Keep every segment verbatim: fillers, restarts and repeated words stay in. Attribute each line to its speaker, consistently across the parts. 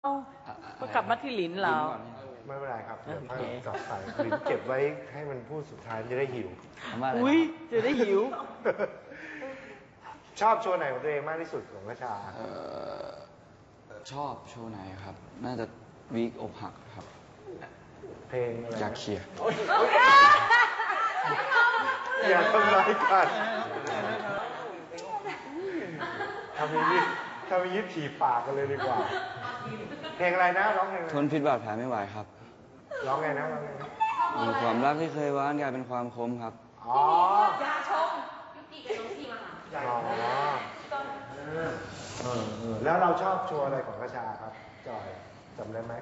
Speaker 1: เอาก็กลับมาที่หลินเรา
Speaker 2: ไม่เป็นไรครับเดี๋ยวค่อยจับใส่หลินเก็บไว้ให้มันพูดสุดท้ายจะได้หิว
Speaker 1: อุ้ยจะได้หิว
Speaker 2: ชอบโชว์ไหนของตัวเองมากที่สุดของกระชา
Speaker 3: ชอบโชว์ไหนครับ น่าจะวีคอกหักครับ
Speaker 2: เพลงอะไร
Speaker 3: อยากเคลียร์
Speaker 2: อย่าทำร้ายกันทำอย่างนี้ทำอย่างนี้ถีบปากกันเลยดีกว่าเพลงอะไรนะร้องเพลง
Speaker 3: ทนพิษบาดแผลไม่ไหวครับ
Speaker 2: ร้องไงนะร้องไงนะ
Speaker 3: มีความรักที่เคยหวานกลายเป็นความคมครับ
Speaker 2: อ๋อยาชมยุติกับน้องทีมาอ๋อเออเออแล้วเราชอบโชว์อะไรของกระชาครับจอยจำได้ไหม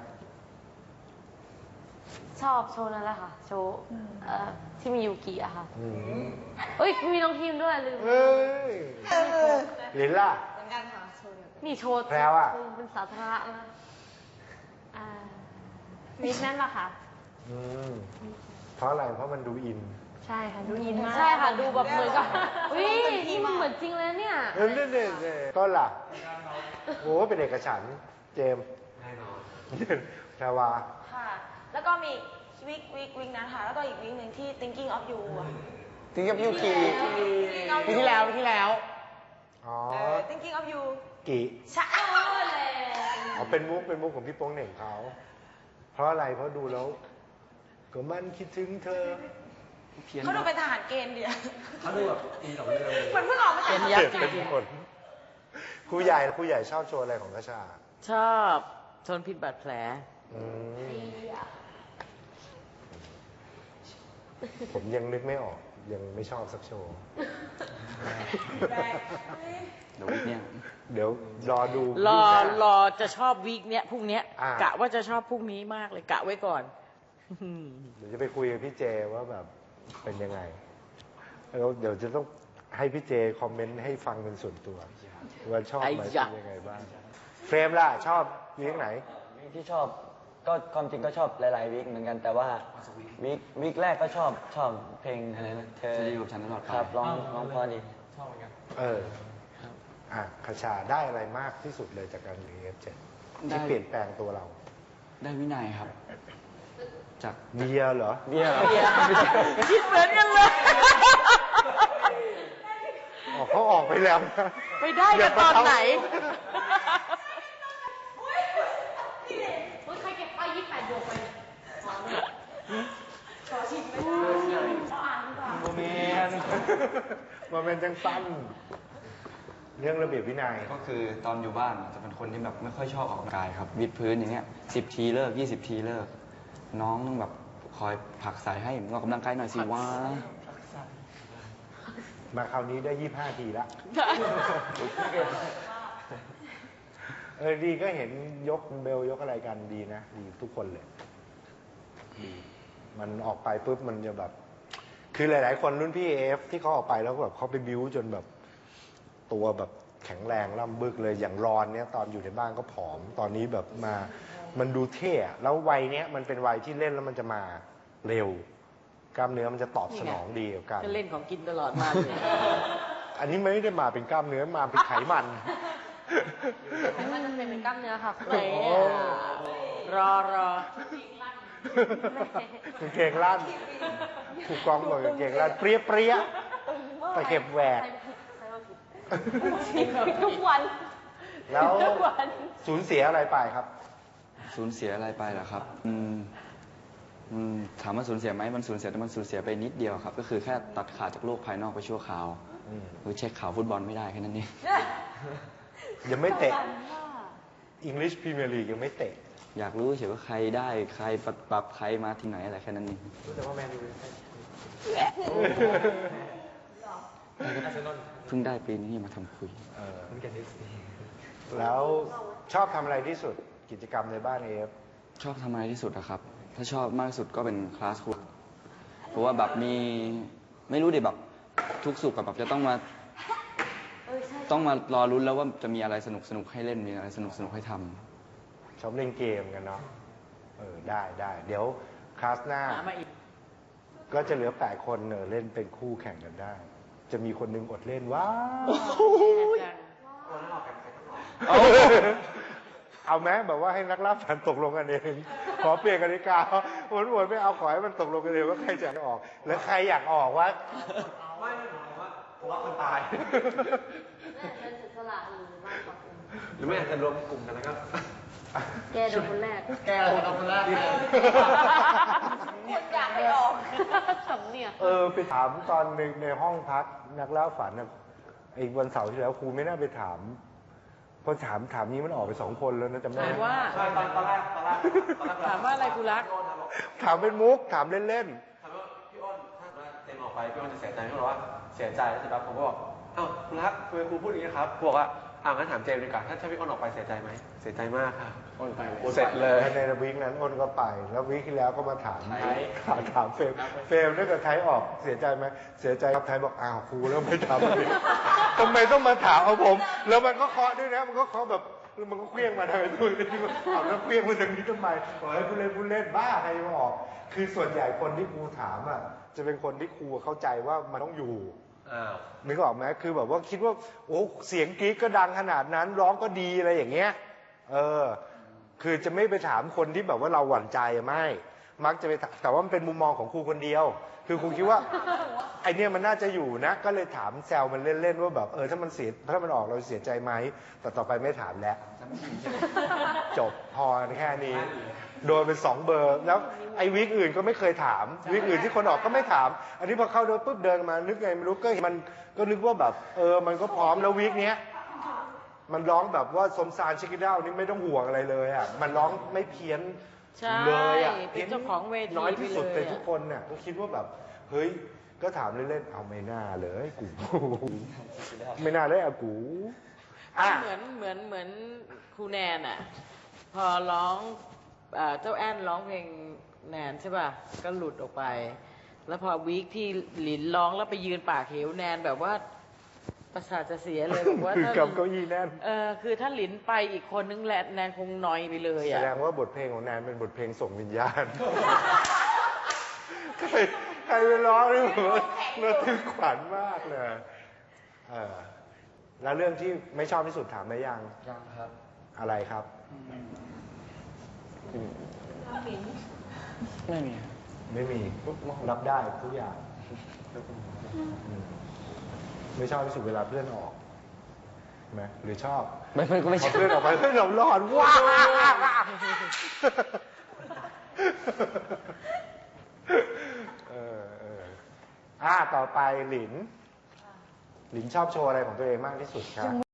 Speaker 4: ชอบโชว์นั่นแหละค่ะโชว์ที่มียูกิอะค่ะ
Speaker 2: อืม
Speaker 4: เอ้ยมีน้องทีมด้วยลืม
Speaker 2: เฮ้ยลินล่ะ
Speaker 4: เหมือนกันค่ะโชว์นี่โชว์
Speaker 2: แพรวอะ
Speaker 4: เป็นสาธารณะนะอ่าวิกนั่นปะค่ะ
Speaker 2: อืมเพราะอะไรเพราะมันดูอิน
Speaker 4: ใช่ค่ะดูอินมากใช่ค่ะดูแบบเหมือนกับอุ้ยนี่มันเหมือนจริงเลยเนี่ย
Speaker 2: เออเนี่ยเนี่ยก็ล่ะโอ้เป็นเอกฉันท์เจมแน่นอนแพรวา
Speaker 5: ค่ะแล้วก็มีวิกวิกวิกนั้นค่ะแล้วก็อีกวิกหนึ่งที่ thinking of you อะ
Speaker 6: thinking of you กี่ปีที่แล้วปีที่แล้ว
Speaker 2: อ๋อ
Speaker 5: thinking of you
Speaker 2: กี่
Speaker 5: ใช่เลย
Speaker 2: อ๋อเป็นมุกเป็นมุกของพี่โป้งเหน่งเขาเพราะอะไรเพราะดูแล้วก็มันคิดถึงเธอ
Speaker 5: เขาดูเป็นทหารเกณฑ์เดียว
Speaker 6: เขาดูแบบมีสองเรื่อง
Speaker 5: เหมือนเพิ่งออกมาจาก
Speaker 2: เปลี่ยนเป็นคนครูใหญ่ครูใหญ่ชอบโชว์อะไรของกระชา
Speaker 1: ชอบทนพิษบาดแผล
Speaker 2: ผมยังนึกไม่ออกยังไม่ชอบสักโชว์
Speaker 3: เดี๋ยวเนี่ย
Speaker 2: เดี๋ยวรอดู
Speaker 1: รอรอจะชอบวีคเนี้ยพรุ่งเนี้ยกะว่าจะชอบพรุ่งนี้มากเลยกะไว้ก่อน
Speaker 2: เดี๋ยวจะไปคุยกับพี่เจว่าแบบเป็นยังไงแล้วเดี๋ยวจะต้องให้พี่เจคอมเมนต์ให้ฟังเป็นส่วนตัวว่าชอบไหมเป็นยังไงบ้างเฟรมล่ะชอบวีคไหน
Speaker 6: ที่ชอบก็ความจริงก็ชอบหลายๆวิกเหมือนกันแต่ว่าวิกวิกแรกก็ชอบชอบเพลงอะไรนะเธอ
Speaker 3: จะอยู่กับฉันตลอดไป
Speaker 6: ครับร้องร้องเพราะดี
Speaker 2: ชอบเหมือนกันเอออ่ะคชาได้อะไรมากที่สุดเลยจากการเรียน เอฟ เจ็ด ที่เปลี่ยนแปลงตัวเรา
Speaker 3: ได้วินัยครับจาก
Speaker 2: เบียร์เหรอ
Speaker 6: เบียร์
Speaker 1: คิดเหมือนกันเลย
Speaker 2: อ๋อเขาออกไปแล้ว
Speaker 1: ไปได้กันตอนไหน
Speaker 4: ใครเก็บไปยี่สิบแปดบวกไปขอชิมไหมขออ่านดีกว่า
Speaker 2: โมเมนต์โมเมนต์จังสั้นเรื่องระเบียบวินัย
Speaker 3: ก็คือตอนอยู่บ้านจะเป็นคนที่แบบไม่ค่อยชอบออกกำลังกายครับวิดพื้นอย่างเงี้ยสิบทีเลิกยี่สิบทีเลิกน้องแบบคอยผลักใส่ให้ออกกำลังกายหน่อยสิวะ
Speaker 2: มาคราวนี้ได้ยี่สิบห้าทีละเออดีก็เห็นยกเบลยกอะไรกันดีนะดีทุกคนเลยดีมันออกไปปุ๊บมันจะแบบคือหลายๆคนรุ่นพี่เอฟที่เขาออกไปแล้วแบบเขาไปบิ้วจนแบบตัวแบบแข็งแรงล่ำบึกเลยอย่างรอนเนี้ยตอนอยู่ในบ้านก็ผอมตอนนี้แบบมามันดูเท่แล้ววัยเนี้ยมันเป็นวัยที่เล่นแล้วมันจะมาเร็วกล้ามเนื้อมันจะตอบสนองดีกับการ
Speaker 1: เล่นของกินตลอดมา
Speaker 2: อันนี้ไม่ได้มาเป็นกล้ามเนื้อมาเป็นไขมัน
Speaker 4: ไขมันจะเป็นกล้ามเนื้อค่ะ
Speaker 1: เรอรอ
Speaker 2: กางเกงลั่นถูกกองบอกกางเกงลั่นเปรี้ยเปรี้ยตะเข็บแหวก
Speaker 4: ทุกวัน
Speaker 2: แล้วสูญเสียอะไรไปครับ
Speaker 3: สูญเสียอะไรไปเหรอครับอืมถามว่าสูญเสียไหมมันสูญเสียแต่มันสูญเสียไปนิดเดียวครับก็คือแค่ตัดขาดจากโลกภายนอกไปชั่วคราวคือเช็คข่าวฟุตบอลไม่ได้แค่นั้นเอง
Speaker 2: ยังไม่เตะ English Premier League ยังไม่เตะ
Speaker 3: อยากรู้เฉยว่าใครได้ใครปรับปรับใครมาที่ไหนอะไรแค่นั้นเอง
Speaker 2: แต่ว่าแมนยู
Speaker 3: เพิ่งได้ปีนี้มาทำคุย
Speaker 2: แล้วชอบทำอะไรที่สุดกิจกรรมในบ้านเอฟ
Speaker 3: ชอบทำอะไรที่สุดนะครับถ้าชอบมากที่สุดก็เป็นคลาสคุยเพราะว่าแบบมีไม่รู้ดิแบบทุกสุขกับแบบจะต้องมาต้องมารอรุ้นแล้วว่าจะมีอะไรสนุกสนุกให้เล่นมีอะไรสนุกสนุกให้ทำ
Speaker 2: ชอบเล่นเกมกันเนาะเออได้ได้เดี๋ยวคลาสหน้าก็จะเหลือแปดคนเนอเล่นเป็นคู่แข่งกันได้จะมีคนนึงอดเล่นว้าวเอาไหมแบบว่าให้นักล่าฝันตกลงกันเองขอเปลี่ยนกติกาวนๆไม่เอาขอให้มันตกลงกันเองว่าใครจะออก แล้วใครอยากออกวะไม่ไม่บอกว่าทะเลาะกันตาย
Speaker 4: เป็นเสียสละหรือมากกว่าคุณ
Speaker 7: หรือไม่อาจจะรวมกลุ่มกันแล้วก็
Speaker 4: แกโดนคนแรก
Speaker 7: แก้อะไรกันคนแรก
Speaker 5: คนอยากให้ออก
Speaker 4: สำเนียง
Speaker 2: เออไปถามตอนในในห้องพักนักล่าฝันนะไอ้วันเสาร์ที่แล้วครูไม่น่าไปถามพอถามถามนี้มันออกไปสองคนแล้วนะจำได้
Speaker 1: ถาม
Speaker 2: ไหม
Speaker 1: ว่า
Speaker 7: ใช่ตอนตอนแรกตอนแรกตอนแรก
Speaker 1: ถามว่าอะไรกูรัก
Speaker 2: ถามเป็นมุกถามเล่น
Speaker 7: ถามว่าพี่อ้นถ้าเกิดว่าเต็มออกไปพี่อ้นจะเสียใจพี่อ้นบอกว่าเสียใจแล้วเสร็จแล้วผมก็บอกอ้าวคุณรักทำไมครูพูดอย่างนี้ครับครูบอกว่าอ้าวงั้นถามเจมส์ดีกว่าถ้าถ้าพี่อ้นออกไปเสียใจไหมเสียใจมากค่ะอ้นไปเสร็จเลย
Speaker 2: ๆในวีคนั้นอ้นก็ไป แล้ววีคที่แล้วก็มาถาม
Speaker 7: ไทย
Speaker 2: ถามถามเฟรมเฟรมถ้าเกิดไทยออกเสียใจไหมเสียใจครับไทยบอกอ้าวครูแล้วไม่ถามอีกทำไมต้องมาถามเอาผม แล้วมันก็เคาะด้วยนะมันก็เคาะแบบมันก็เคลี้ยงมาทางนู้นที่มันเอาแล้วเคลี้ยงมาทางนี้ทำไมบอกให้ผู้เล่นผู้เล่นบ้าใครมาออก คือส่วนใหญ่คนที่ครูถามอ่ะจะเป็นคนที่ครูเข้าใจว่ามันต้องอยู่
Speaker 7: อ้าว
Speaker 2: นึกออกไหมคือแบบว่าคิดว่าโอ้เสียงกรี๊ดก็ดังขนาดนั้นร้องก็ดีอะไรอย่างเงี้ยเออคือจะไม่ไปถามคนที่แบบว่าเราหวั่นใจไม่ มักจะไปถามแต่ว่ามันเป็นมุมมองของครูคนเดียว คือครูคิดว่าไอเนี้ยมันน่าจะอยู่นะ ก็เลยถามแซวมันเล่นๆว่าแบบเออถ้ามันเสียถ้ามันออกเราเสียใจไหมแต่ต่อไปไม่ถามแล้ว จบพอแค่นี้ โดนเป็นสองเบอร์ แล้วไอ้วิกอื่นก็ไม่เคยถาม วิกอื่นที่คนออกก็ไม่ถาม อันนี้พอเข้าโดนปุ๊บเดินมานึกไงไม่รู้ก็เห็นมันก็นึกว่าแบบเออมันก็พร้อมแล้ววิกเนี้ยมันร้องแบบว่าสมสารชิคกี้ดาวนี่ไม่ต้องห่วงอะไรเลยอ่ะมันร้องไม่เพี้ยน
Speaker 1: ใช่
Speaker 2: เลยอ่ะ
Speaker 1: เป็นเจ้าของเวที
Speaker 2: น้อยที่สุด
Speaker 1: ไป
Speaker 2: ใน
Speaker 1: เลยอะ
Speaker 2: ทุกคนเนี่ยก็คิดว่าแบบเฮ้ยก็ถามเล่นๆเอาไม่น่าเลยกู ไม่น่าเลยอะกูอ่ะ
Speaker 1: เหมือนเหมือนเหมือนครูแนนอ่ะ พอร้องเอ่อเจ้าแอนร้องเพลงแนนใช่ป่ะ ก็หลุดออกไป แล้วพอวีคที่หลินร้องแล้วไปยืนปากเหวแนนแบบว่าประสาทจะเสียเลยบอกว่า
Speaker 2: คือ
Speaker 1: ถ้า
Speaker 2: กับเก้าอี้แน่น
Speaker 1: เออคือถ้าหลินไปอีกคนนึงแหละแนนคงนอยไปเลย
Speaker 2: แส
Speaker 1: อ่ะ
Speaker 2: ดงว่าบทเพลงของแนนเป็นบทเพลงส่งวิญญาณ ใครใครไปร้องนี่ผมว่าระทึกขวัญมากเลยเออแล้วเรื่องที่ไม่ชอบที่สุดถามได้ยัง
Speaker 3: ยังครับ
Speaker 2: อะไรครับ
Speaker 3: ไม่มี
Speaker 2: ไม่มีรับได้ทุกอย่างอืมไม่ชอบที่สุดเวลาเพื่อนออกไหมหรือชอบ
Speaker 3: ไม่ไม่ก็ไม่
Speaker 2: พ
Speaker 3: ใช่
Speaker 2: อเพื่อนออกไปเฮ้ยเรารอดว้าเออเอออ่าต่อไปหลิน หลินชอบโชว์อะไรของตัวเองมากที่สุดครับ